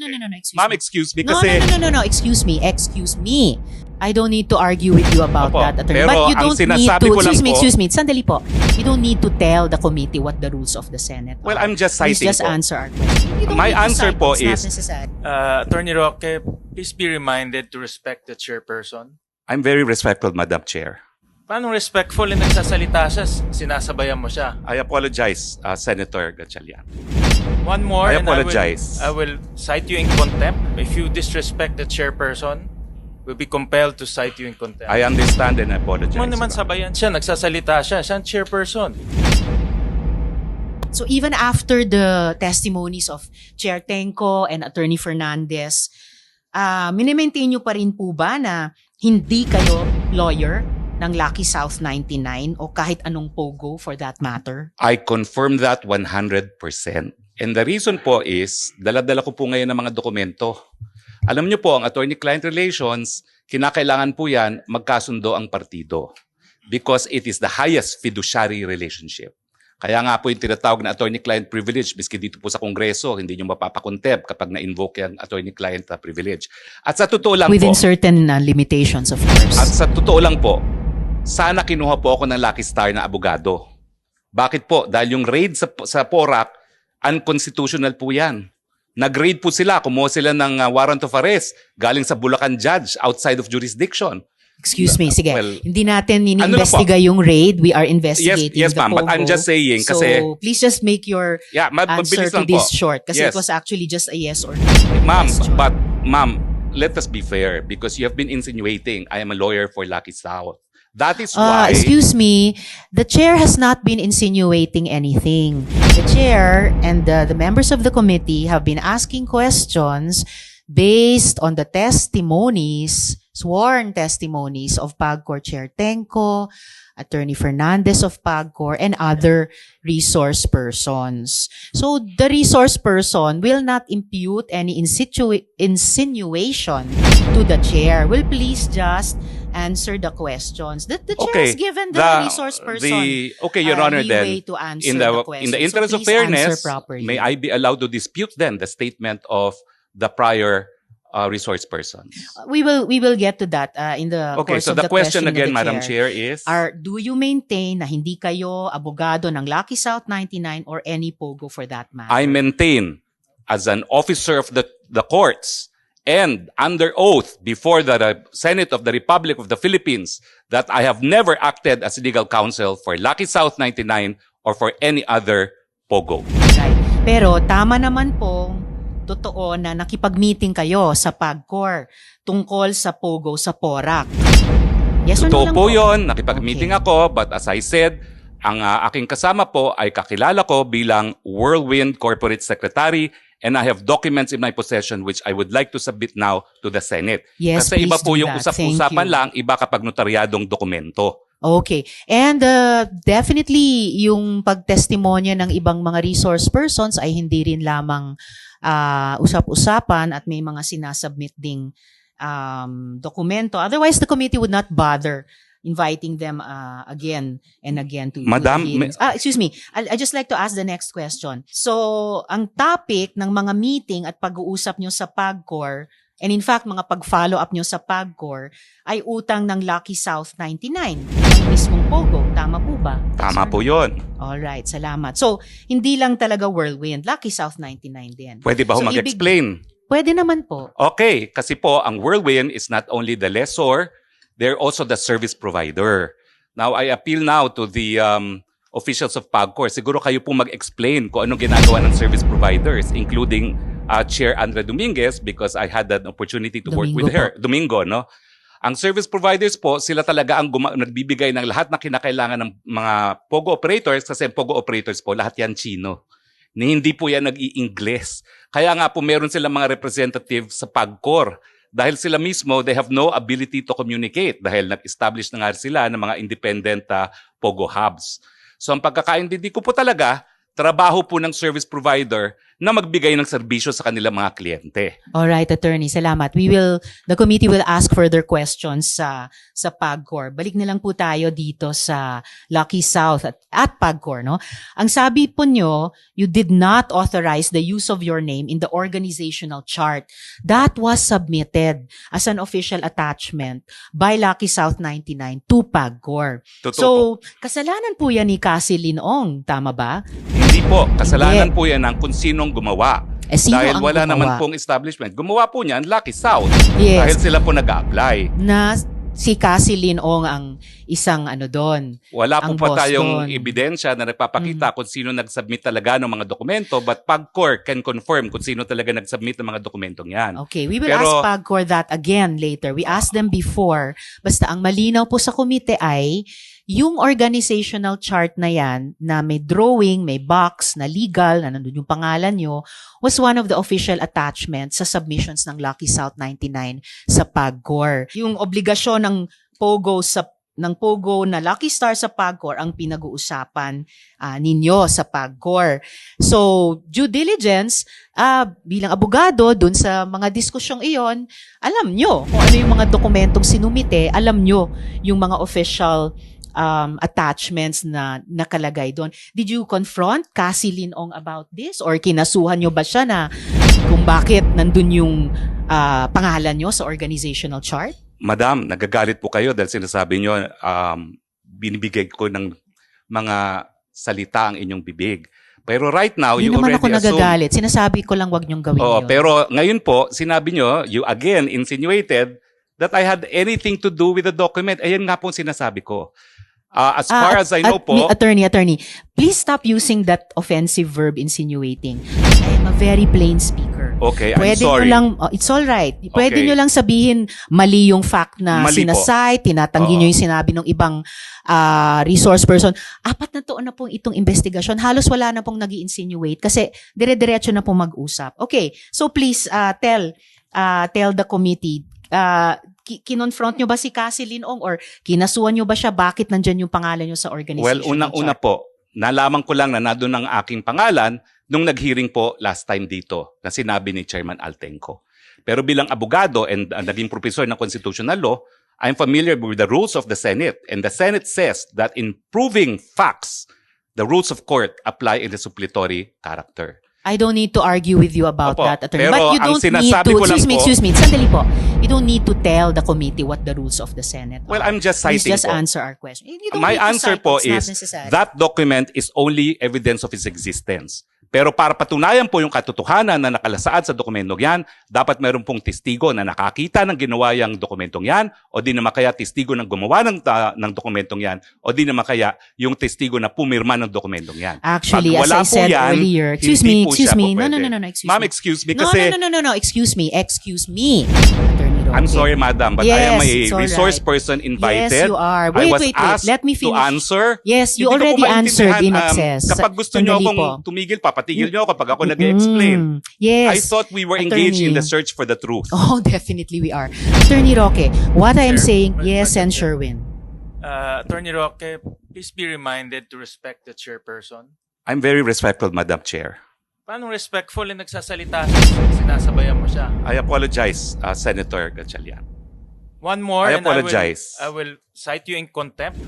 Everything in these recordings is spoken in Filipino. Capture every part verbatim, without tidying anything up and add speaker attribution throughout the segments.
Speaker 1: no, no, no, no, excuse
Speaker 2: Ma'am,
Speaker 1: me.
Speaker 2: excuse me
Speaker 1: No,
Speaker 2: kasi...
Speaker 1: no, no, no, no, no, excuse me, excuse me. I don't need to argue with you about
Speaker 2: Opo,
Speaker 1: that, attorney.
Speaker 2: pero
Speaker 1: But you
Speaker 2: ang
Speaker 1: don't need
Speaker 2: sinasabi
Speaker 1: to,
Speaker 2: ko lang
Speaker 1: excuse me,
Speaker 2: po-
Speaker 1: excuse me, sandali po. You don't need to tell the committee what the rules of the Senate
Speaker 2: Well,
Speaker 1: are.
Speaker 2: I'm just
Speaker 1: Please
Speaker 2: citing
Speaker 1: just
Speaker 2: po.
Speaker 1: answer our question. You don't
Speaker 2: My
Speaker 1: need to
Speaker 2: answer
Speaker 1: cite,
Speaker 2: po
Speaker 1: it's not
Speaker 2: is-
Speaker 1: necessary.
Speaker 3: Uh, Attorney Roque, please be reminded to respect the chairperson.
Speaker 2: I'm very respectful, Madam Chair.
Speaker 3: Paano respectful na nagsasalita siya, sinasabayan mo siya?
Speaker 2: I apologize, uh, Senator Gatchalian.
Speaker 3: One more
Speaker 2: I
Speaker 3: and
Speaker 2: apologize.
Speaker 3: I will, I will cite you in contempt. If you disrespect the chairperson, we'll be compelled to cite you in contempt.
Speaker 2: I understand and I apologize.
Speaker 3: Mo naman
Speaker 2: Your Honor.
Speaker 3: sabayan siya, nagsasalita siya, siya ang chairperson.
Speaker 1: So even after the testimonies of Chair Tenco and Attorney Fernandez, uh, minimaintain nyo pa rin po ba na hindi kayo lawyer ng Lucky South ninety-nine o kahit anong pogo for that matter?
Speaker 2: I confirm that one hundred percent. And the reason po is, dala-dala ko po ngayon ng mga dokumento. Alam niyo po, ang attorney-client relations, kinakailangan po yan magkasundo ang partido. Because it is the highest fiduciary relationship. Kaya nga po yung tinatawag na attorney-client privilege, miski dito po sa Kongreso, hindi nyo mapapakontep kapag na-invoke yung attorney-client uh, privilege. At sa totoo lang
Speaker 1: Within
Speaker 2: po,
Speaker 1: certain uh, limitations, of course.
Speaker 2: at sa totoo lang po, sana kinuha po ako ng Lucky Star na abogado. Bakit po? Dahil yung raid sa, sa Porac, unconstitutional po yan. Nag-raid po sila, kumuha sila ng uh, warrant of arrest galing sa Bulacan judge outside of jurisdiction.
Speaker 1: Excuse me, sige.
Speaker 2: Well,
Speaker 1: Hindi natin
Speaker 2: ano na
Speaker 1: ini-investiga yung raid. We are investigating
Speaker 2: Yes, yes,
Speaker 1: the
Speaker 2: ma'am, but
Speaker 1: pogo.
Speaker 2: I'm just saying
Speaker 1: so,
Speaker 2: kasi-
Speaker 1: please just make your
Speaker 2: Yeah, ma-
Speaker 1: answer
Speaker 2: mabilis
Speaker 1: to
Speaker 2: lang
Speaker 1: this
Speaker 2: po.
Speaker 1: short. Kasi
Speaker 2: Yes.
Speaker 1: it was actually just a yes or no
Speaker 2: Ma'am,
Speaker 1: question.
Speaker 2: but ma'am, let us be fair because you have been insinuating I am a lawyer for Lucky South. That is
Speaker 1: Uh,
Speaker 2: why...
Speaker 1: excuse me, the chair has not been insinuating anything. The chair and the, the members of the committee have been asking questions based on the testimonies, sworn testimonies of PAGCOR Chair Tenco, Attorney Fernandez of PAGCOR, and other resource persons. So the resource person will not impute any insitu- insinuation to the chair. Will please just answer the questions. The, the chair
Speaker 2: Okay,
Speaker 1: has given the,
Speaker 2: the-
Speaker 1: resource person
Speaker 2: the- okay, Your
Speaker 1: uh,
Speaker 2: Honor,
Speaker 1: leeway
Speaker 2: then,
Speaker 1: to answer
Speaker 2: in the,
Speaker 1: the
Speaker 2: in
Speaker 1: question.
Speaker 2: the interest
Speaker 1: so
Speaker 2: of
Speaker 1: please answer
Speaker 2: fairness,
Speaker 1: properly.
Speaker 2: may I be allowed to dispute then the statement of the prior uh, resource persons?
Speaker 1: We will we will get to that uh, in the
Speaker 2: Okay,
Speaker 1: course
Speaker 2: so
Speaker 1: of
Speaker 2: the
Speaker 1: the
Speaker 2: question
Speaker 1: question of
Speaker 2: again,
Speaker 1: the
Speaker 2: Madam
Speaker 1: chair.
Speaker 2: Chair, is...
Speaker 1: Are, do you maintain na hindi kayo abogado ng Lucky South ninety-nine or any pogo for that matter?
Speaker 2: I maintain as an officer of the, the courts and under oath before the uh, Senate of the Republic of the Philippines that I have never acted as legal counsel for Lucky South ninety-nine or for any other pogo.
Speaker 1: Right. Pero tama naman pong totoo na nakipag-meeting kayo sa PAGCOR tungkol sa pogo sa Porac. Yes or no
Speaker 2: Totoo
Speaker 1: lang
Speaker 2: po yun, nakipag-meeting
Speaker 1: Okay.
Speaker 2: ako, but as I said, ang uh, aking kasama po ay kakilala ko bilang Whirlwind Corporate Secretary and I have documents in my possession which I would like to submit now to the Senate.
Speaker 1: Yes,
Speaker 2: Kasi iba
Speaker 1: please
Speaker 2: po
Speaker 1: do
Speaker 2: yung
Speaker 1: that. Thank
Speaker 2: usap-usapan
Speaker 1: you.
Speaker 2: lang, iba kapag notaryadong dokumento.
Speaker 1: Okay. And uh, definitely, yung pagtestimonya ng ibang mga resource persons ay hindi rin lamang uh, usap-usapan at may mga sinasubmit ding um, dokumento. Otherwise, the committee would not bother inviting them uh, again and again to, to
Speaker 2: Madam,
Speaker 1: the hearings. Ah, excuse me. I, I just like to ask the next question. So, ang topic ng mga meeting at pag-uusap nyo sa PAGCOR, and in fact, mga pag-follow up nyo sa PAGCOR, ay utang ng Lucky South ninety-nine, ng mismong Pogo. Tama po ba?
Speaker 2: Tama
Speaker 1: Sir?
Speaker 2: po yun.
Speaker 1: Alright, salamat. So, hindi lang talaga Whirlwind, Lucky South ninety-nine din.
Speaker 2: Pwede ba
Speaker 1: So,
Speaker 2: ho
Speaker 1: ibig-
Speaker 2: mag-explain?
Speaker 1: Pwede naman po.
Speaker 2: Okay, kasi po ang Whirlwind is not only the lessor, they're also the service provider. Now, I appeal now to the um, officials of PAGCOR. Siguro kayo po mag-explain kung anong ginagawa ng service providers, including uh, Chair Andrea Dominguez because I had an opportunity to work
Speaker 1: Domingo
Speaker 2: with her. Domingo, no? Ang service providers po, sila talaga ang guma- nagbibigay ng lahat na kinakailangan ng mga Pogo operators kasi ang Pogo operators po, lahat yan Chino. Ni hindi po yan nag-i-Ingles. Kaya nga po meron silang mga representative sa PAGCOR. Dahil sila mismo, they have no ability to communicate dahil nag-establish na nga sila ng mga independent uh, Pogo hubs. So ang pagkakaintindi ko po talaga, trabaho po ng service provider na magbigay ng serbisyo sa kanilang mga kliyente.
Speaker 1: All right, attorney, salamat. We will the committee will ask further questions sa sa PAGCOR. Balik na lang po tayo dito sa Lucky South at, at PAGCOR, no? Ang sabi po nyo, you did not authorize the use of your name in the organizational chart. That was submitted as an official attachment by Lucky South ninety-nine to PAGCOR.
Speaker 2: Totoo
Speaker 1: So,
Speaker 2: po.
Speaker 1: kasalanan po yan ni Cassie Linong, tama ba?
Speaker 2: Hindi po. Kasalanan
Speaker 1: Hindi.
Speaker 2: po yan ng kung sinong gumawa.
Speaker 1: Eh, sino
Speaker 2: Dahil
Speaker 1: ang
Speaker 2: wala
Speaker 1: gumawa?
Speaker 2: naman pong establishment. Gumawa po niyan Lucky South.
Speaker 1: Yes.
Speaker 2: Dahil sila po nag-a-apply.
Speaker 1: Na si Cassie Linong ang isang ano doon.
Speaker 2: Wala po
Speaker 1: Ang
Speaker 2: pa
Speaker 1: boss
Speaker 2: tayong
Speaker 1: doon.
Speaker 2: ebidensya na nagpapakita kung sino nag-submit talaga ng mga dokumento, but PAGCOR can confirm kung sino talaga nag-submit ng mga dokumentong yan.
Speaker 1: Okay, we will
Speaker 2: Pero-
Speaker 1: ask PAGCOR that again later. We asked them before. Basta ang malinaw po sa komite ay yung organizational chart na yan na may drawing, may box, na legal, na nandun yung pangalan nyo, was one of the official attachments sa submissions ng Lucky South ninety-nine sa PAGCOR. Yung obligasyon ng POGO sa ng POGO na Lucky Star sa PAGCOR ang pinag-uusapan ah, ninyo sa PAGCOR. So, due diligence, ah, bilang abogado, dun sa mga diskusyong iyon, alam nyo kung ano yung mga dokumentong sinumite, alam nyo yung mga official um, attachments na nakalagay doon. Did you confront Cassie Linong about this? Or kinasuhan nyo ba siya na kung bakit nandun yung ah, pangalan nyo sa organizational chart?
Speaker 2: Madam, nagagalit po kayo dahil sinasabi nyo, um, binibigay ko ng mga salita ang inyong bibig. Pero right now,
Speaker 1: Hindi
Speaker 2: you
Speaker 1: naman
Speaker 2: already
Speaker 1: ako
Speaker 2: assume...
Speaker 1: nagagalit. Sinasabi ko lang wag nyong gawin
Speaker 2: Oo,
Speaker 1: yun.
Speaker 2: pero ngayon po, sinabi nyo, you again insinuated that I had anything to do with the document. Ayan nga po ang sinasabi ko. Uh, as
Speaker 1: Ah,
Speaker 2: far
Speaker 1: at-
Speaker 2: as I know
Speaker 1: at-
Speaker 2: po,
Speaker 1: mi- attorney, attorney, please stop using that offensive verb insinuating. I am a very plain speaker.
Speaker 2: okay, I'm
Speaker 1: Pwede
Speaker 2: sorry.
Speaker 1: nyo lang, oh, it's all right. Pwede
Speaker 2: Okay.
Speaker 1: nyo lang sabihin mali yung fact na
Speaker 2: Mali po.
Speaker 1: sinasite, tinatanggi
Speaker 2: Oo.
Speaker 1: nyo yung sinabi ng ibang ah, resource person. Apat na taon na pong itong investigasyon. Halos wala na pong nag insinuate kasi dire-diretso na pong mag-usap. Okay, so please ah, tell ah, tell the committee, ah, ki- kinonfront nyo ba si Cassie Linong or kinasuhan nyo ba siya? Bakit nandyan yung pangalan nyo sa organization?
Speaker 2: Well, unang-una po, nalaman ko lang na nandun ang aking pangalan nung nag-hearing po last time dito na sinabi ni Chairman Altenco. Pero bilang abogado and uh, naging professor ng constitutional law, I'm familiar with the rules of the Senate. And the Senate says that in proving facts, the rules of court apply in the suppletory character.
Speaker 1: I don't need to argue with you about
Speaker 2: Opo,
Speaker 1: that, attorney.
Speaker 2: pero
Speaker 1: But you
Speaker 2: ang
Speaker 1: don't need
Speaker 2: sinasabi
Speaker 1: to,
Speaker 2: ko lang
Speaker 1: excuse me,
Speaker 2: po-
Speaker 1: excuse me, sandali po. You don't need to tell the committee what the rules of the Senate
Speaker 2: Well,
Speaker 1: are.
Speaker 2: I'm just
Speaker 1: Please
Speaker 2: citing
Speaker 1: just
Speaker 2: po.
Speaker 1: answer our question. You don't
Speaker 2: My
Speaker 1: need to
Speaker 2: answer
Speaker 1: cite,
Speaker 2: po
Speaker 1: it's not
Speaker 2: is
Speaker 1: necessary.
Speaker 2: that document is only evidence of its existence. Pero para patunayan po yung katotohanan na nakalasaad sa dokumentong yan, dapat meron pong testigo na nakakita ng ginawa yung dokumentong yan, o di naman kaya testigo ng gumawa ng, ta- ng dokumentong yan, o di naman kaya yung testigo na pumirma ng dokumentong yan.
Speaker 1: Actually,
Speaker 2: Pag
Speaker 1: as
Speaker 2: wala
Speaker 1: I
Speaker 2: po
Speaker 1: said
Speaker 2: yan,
Speaker 1: earlier, excuse
Speaker 2: hindi
Speaker 1: me,
Speaker 2: po
Speaker 1: excuse
Speaker 2: siya
Speaker 1: me.
Speaker 2: po
Speaker 1: No, no,
Speaker 2: pwede.
Speaker 1: no, no, no, excuse
Speaker 2: Ma'am,
Speaker 1: me.
Speaker 2: excuse me
Speaker 1: No,
Speaker 2: kasi
Speaker 1: no, no, no, no, no, excuse me, excuse me. Attorney Roque.
Speaker 2: I'm sorry, madam, but I am
Speaker 1: Yes,
Speaker 2: a
Speaker 1: it's all
Speaker 2: resource
Speaker 1: right.
Speaker 2: person invited.
Speaker 1: Yes, you are.
Speaker 2: I
Speaker 1: Wait,
Speaker 2: was
Speaker 1: wait, wait.
Speaker 2: asked
Speaker 1: Let me
Speaker 2: to
Speaker 1: finish.
Speaker 2: answer.
Speaker 1: Yes, you
Speaker 2: Hindi ko po
Speaker 1: already answered in
Speaker 2: maintindihan, um,
Speaker 1: excess.
Speaker 2: kapag gusto nyo
Speaker 1: Sandali
Speaker 2: akong
Speaker 1: po.
Speaker 2: tumigil, papatigil nyo ako kapag ako nag-explain.
Speaker 1: Mm, yes.
Speaker 2: I thought we were engaged in
Speaker 1: Attorney.
Speaker 2: the search for the truth.
Speaker 1: Oh, definitely we are. Attorney Roque, what I am
Speaker 3: Sir,
Speaker 1: saying,
Speaker 3: Madam
Speaker 1: yes, and
Speaker 3: Chair.
Speaker 1: Sherwin.
Speaker 3: Uh, Attorney Roque, please be reminded to respect the chairperson.
Speaker 2: I'm very respectful, Madam Chair.
Speaker 3: Paano respectful na nagsasalita siya, sinasabayan mo siya?
Speaker 2: I apologize, uh, Senator Gatchalian.
Speaker 3: One more,
Speaker 2: I
Speaker 3: and
Speaker 2: apologize.
Speaker 3: I will, I will cite you in contempt.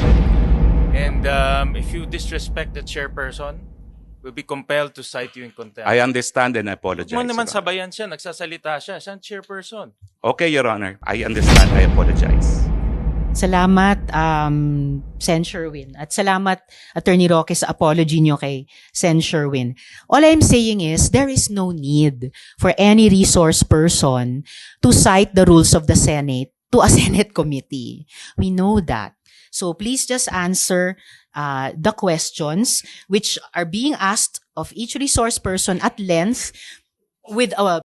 Speaker 3: And um, if you disrespect the chairperson, we'll be compelled to cite you in contempt.
Speaker 2: I understand and I
Speaker 3: Huwag
Speaker 2: apologize.
Speaker 3: mo naman
Speaker 2: Your Honor.
Speaker 3: sabayan siya, nagsasalita siya, siya ang chairperson.
Speaker 2: Okay, Your Honor. I understand. I apologize.
Speaker 1: Salamat, um, Sen Sherwin. At salamat, Attorney Roque, sa apology nyo kay Sen Sherwin. All I'm saying is, there is no need for any resource person to cite the rules of the Senate to a Senate committee. We know that. So please just answer uh, the questions which are being asked of each resource person at length with a